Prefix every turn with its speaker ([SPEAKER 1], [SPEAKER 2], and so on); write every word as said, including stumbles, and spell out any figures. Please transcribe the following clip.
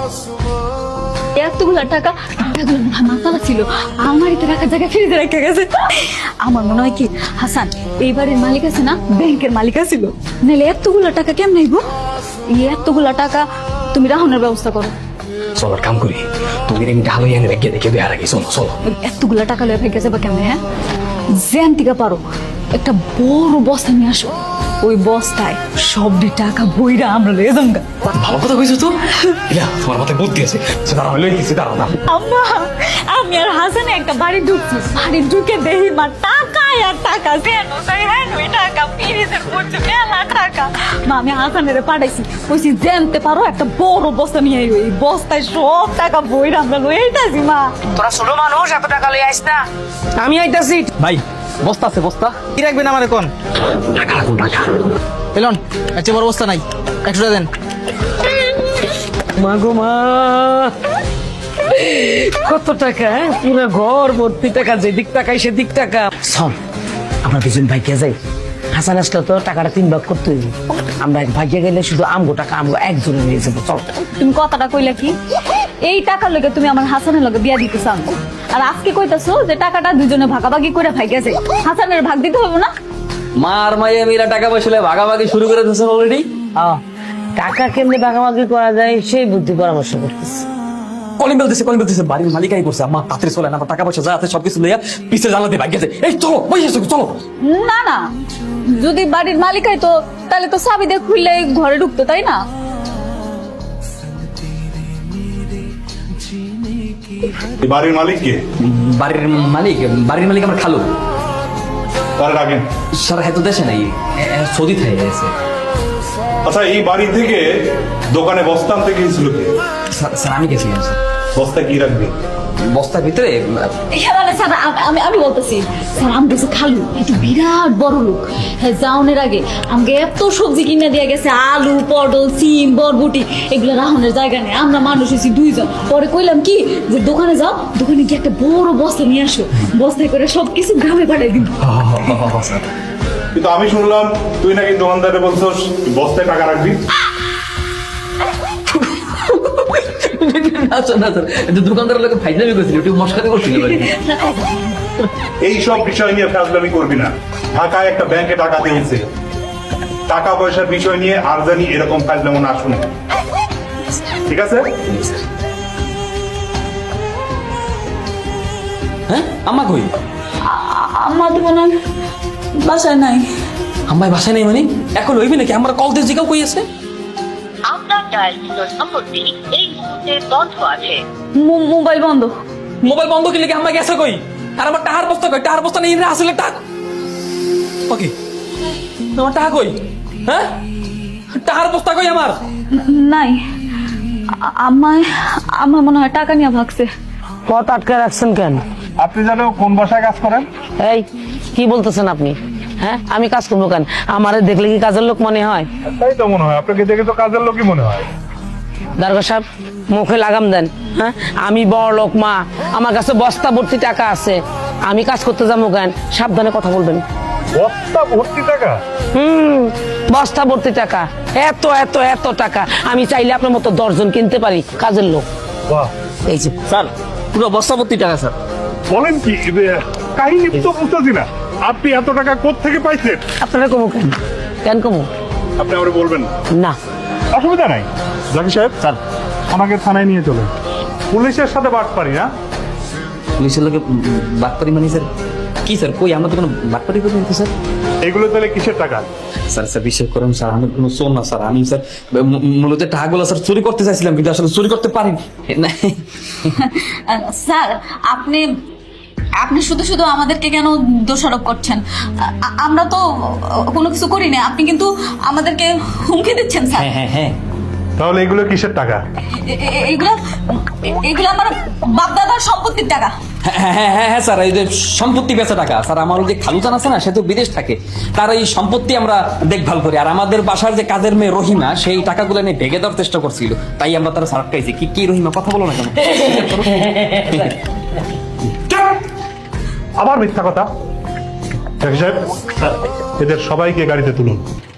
[SPEAKER 1] এতগুলা টাকা মাতালা ছিল আমারই রাখার জায়গায় ফ্রিজে রেখে গেছে। আমার মনে হয় কি হাসান এই বাড়ির মালিক আছে না, ব্যাংকের মালিক ছিল, নাহলে এতগুলা টাকা কেমন আইব? এই এতগুলা টাকা তুমি রাহনের ব্যবস্থা করো।
[SPEAKER 2] চলো কাম করি, তুমি আমি ঢালো এনে রেখে দেখে দেওয়ার আগে চলো চলো।
[SPEAKER 1] এতগুলা টাকা লয়ে ভেঙে যাবে কেমনে? হ্যাঁ, জ্যান থেকে পারো একটা বড় বস্তা নিয়ে আসো, ওই বস্তায় সবটি টাকা বইরা আমরা লয়ে যাবো।
[SPEAKER 2] ভালো কথা কইছো তো, ইলা তোমার মাথায় বুদ্ধি আছে। দাঁড়াও লই কিছু দাঁড়াও না।
[SPEAKER 1] আম্মা আমি আর হাসানে একটা বাড়ি ঢুকছি, বাড়ি ঢুকে দেখি মা টাকা আর টাকা, যেন তাই হ্যাঁ ওই টাকা ফ্রিজের পড়ছে মেলা টাকা। মা আমি হাসানের পাঠাইছি, কইছি জানতে পারো একটা বড় বস্তা নিয়ে আইও, এই বস্তায় সব টাকা বইরা আমরা লয়ে আইতাছি। মা
[SPEAKER 3] তোরা ছোট মানুষ, এত টাকা লয়ে আইস না। আমি আইতাছি
[SPEAKER 2] ভাই, বস্তা আছে বস্তা।
[SPEAKER 3] কি রাখবেন আমার এখন?
[SPEAKER 2] টাকা রাখুন টাকা।
[SPEAKER 3] এলন আচ্ছা বড় বস্তা নাই, একশো টাকা দেন।
[SPEAKER 2] মা গো মা, কত টাকা! পুরো ঘর ভর্তি টাকা, যেদিক টাকাই সেদিক টাকা।
[SPEAKER 3] শোন, আমরা দুজন ভাইকে যাই, হাসান আসলে তো টাকাটা তিন ভাগ করতে হইব। আমরা এক ভাইকে গেলে শুধু আমগো টাকা আমগো একজনে নিয়ে যাবো। চল।
[SPEAKER 1] তুমি কথাটা কইলা কি? এই টাকার লগে তুমি আমার হাসানের লগে বিয়া দিতে চাও, আর আজকে কইতাছো যে টাকাটা দুজনে ভাগাভাগি করে ভাই গেছে, হাসানের ভাগ দিতে হবে না?
[SPEAKER 2] মার মাইয়া মিলা টাকা পয়সা ভাগাভাগি শুরু করে দিয়েছেন অলরেডি।
[SPEAKER 3] আহ, টাকা কেমনে ভাগাভাগি করা যায় সেই বুদ্ধি পরামর্শ করতেছি।
[SPEAKER 2] কলিং বেল দিছে, কলিং বেল দিছে, বাড়ির মালিকাই করছে। আমার তাড়াতাড়ি চলে না, টাকা পয়সা যা আছে সবকিছু লইয়া পিছে জানাতে ভাগ গেছে। এই চলো বসে চলো।
[SPEAKER 1] না না, যদি বাড়ির মালিকাই তো তাহলে তো চাবি দিয়ে খুললে ঘরে ঢুকতো, তাই না?
[SPEAKER 4] বাড়ির মালিক কে?
[SPEAKER 2] বাড়ির মালিক, বাড়ির মালিক আমার খালু।
[SPEAKER 4] তার রাখেন।
[SPEAKER 2] স্যার হয়তো দেশে নাই, সৌদি থেকে গেছে।
[SPEAKER 4] আচ্ছা, এই বাড়ি থেকে দোকানে বস্তা আনতে গিয়েছিল কে?
[SPEAKER 2] স্যার আমি গেছিলাম স্যার।
[SPEAKER 4] বস্তা কি রাখবে?
[SPEAKER 2] বস্তার ভিতরে
[SPEAKER 1] হ্যাঁ মানে স্যার আমি আমি বলতেছি স্যার, আমি গেছে খালু একটু বিরাট বড় লোক, হ্যাঁ যাওনের আগে আমাকে এত সবজি কিনে দিয়ে গেছে, আলু পটল সিম বরবটি, এগুলো রাহনের জায়গা নেই, আমরা মানুষ হয়েছি দুইজন। পরে কইলাম কি যে দোকানে যাও, দোকানে গিয়ে একটা বড় বস্তা নিয়ে আসো, বস্তায় করে সবকিছু গ্রামে পাঠাই দিব।
[SPEAKER 4] কিন্তু আমি শুনলাম তুই নাকি দোকানদারে বলছস বস্তায় টাকা রাখবি।
[SPEAKER 2] দোকানদার লোক ফাইজলামি করছিল, একটু মস্কারি করছিল।
[SPEAKER 4] এই সব বিষয় নিয়ে ফাজলামি করবি না। ঢাকায় একটা ব্যাংকে টাকা দিয়েছে, টাকা পয়সার বিষয় নিয়ে আর জানি এরকম ফাজলামো না শুনে, ঠিক আছে?
[SPEAKER 2] হ্যাঁ আম্মা কই?
[SPEAKER 1] আমার তো মনে হয় বাসায় নাই।
[SPEAKER 2] আম্মাই বাসায় নেই মানে এখন লইবি নাকি? আমার কল দিয়ে জিগাও কই আছে?
[SPEAKER 5] আপনার ডায়ালকৃত নম্বরটি এই মুহূর্তে বন্ধ আছে।
[SPEAKER 1] মো- মোবাইল বন্ধ।
[SPEAKER 2] মোবাইল বন্ধ করলে কি আম্মা গেছে কই? আর আমার টাকার বস্তা কই? টাকার বস্তা নেই রে, আসলে টাকা ওকে। আমার টাকা কই? হ্যাঁ, টাকার বস্তা কই আমার?
[SPEAKER 1] নাই, আমায় আমার মনে হয় টাকা নিয়ে ভাগছে।
[SPEAKER 3] পথ আটকে রাখছেন কেন?
[SPEAKER 4] আপনি জানো কোন বাসায় কাজ করেন?
[SPEAKER 3] এই কি বলতেছেন আপনি? হ্যাঁ, আমি কাজ করবো কেন? আমারে দেখলে কি কাজের লোক মনে হয়?
[SPEAKER 4] তাই তো মনে হয়, আপনাকে দেখে তো কাজের লোকই মনে হয়।
[SPEAKER 3] দারোগা সাহেব মুখে লাগাম দেন। হ্যাঁ, আমি বড় লোক মা, আমার কাছে বস্তা ভর্তি টাকা আছে, আমি কাজ করতে যাবো কেন? সাবধানে কথা বলবেন।
[SPEAKER 4] বস্তা ভর্তি টাকা?
[SPEAKER 3] হুম, বস্তা ভর্তি টাকা, এত এত এত টাকা আমি চাইলে আপনার মতো দশজন কিনতে পারি কাজের লোক।
[SPEAKER 4] বাহ,
[SPEAKER 3] এই যে
[SPEAKER 2] স্যার পুরো বস্তা ভর্তি টাকা স্যার।
[SPEAKER 4] বলেন কি? কাহিনী তো বুঝতেছি না, আপনি এত টাকা কোত্থেকে পাইছেন?
[SPEAKER 3] আপনারা কমু কেন? কেন কমু?
[SPEAKER 4] আপনি আমার বলবেন
[SPEAKER 3] না।
[SPEAKER 4] অসুবিধা নাই। জাকি সাহেব
[SPEAKER 2] স্যার
[SPEAKER 4] আমাকে থানায় নিয়ে চলেন, পুলিশের সাথে বাট পারি না।
[SPEAKER 2] পুলিশের লোকে বাটপারি মানে স্যার কি স্যার? কই আমরা তো কোনো বাটপারি করি না স্যার।
[SPEAKER 4] এগুলো তাহলে কিসের টাকা?
[SPEAKER 2] স্যার স্যার বিশ্বাস করেন স্যার, আমি কোনো চোর না স্যার। আমি স্যার মূ- মূলত টাকাগুলো স্যার চুরি করতে চাইছিলাম, কিন্তু আসলে চুরি করতে পারিনি। না
[SPEAKER 1] স্যার আপনি আপনি শুধু শুধু আমাদেরকে কেন দোষারোপ করছেন? আ- আমরা তো কোনো কিছু করি না, আপনি কিন্তু আমাদেরকে হুমকি দিচ্ছেন স্যার।
[SPEAKER 2] হ্যাঁ হ্যাঁ হ্যাঁ
[SPEAKER 4] তাহলে এগুলো কিসের টাকা?
[SPEAKER 1] এ- এ- এগুলো এগুলো আমার বাপদাদার সম্পত্তির টাকা।
[SPEAKER 2] হ্যাঁ হ্যাঁ হ্যাঁ হ্যাঁ স্যার, এই যে সম্পত্তি বেচা টাকা স্যার। আমার যে খালুচান আছে না, সে তো বিদেশ থাকে, তার এই সম্পত্তি আমরা দেখভাল করি। আর আমাদের বাসার যে কাজের মেয়ে রহিমা, সেই টাকাগুলো নিয়ে ভেঙে দেওয়ার চেষ্টা করছিল, তাই আমরা তারা সারাপ খাইছি। কি কি রহিমা, কথা বলো না কেন?
[SPEAKER 4] আবার মিথ্যা কথা। জাকি সাহেব এদের সবাইকে গাড়িতে তুলুন।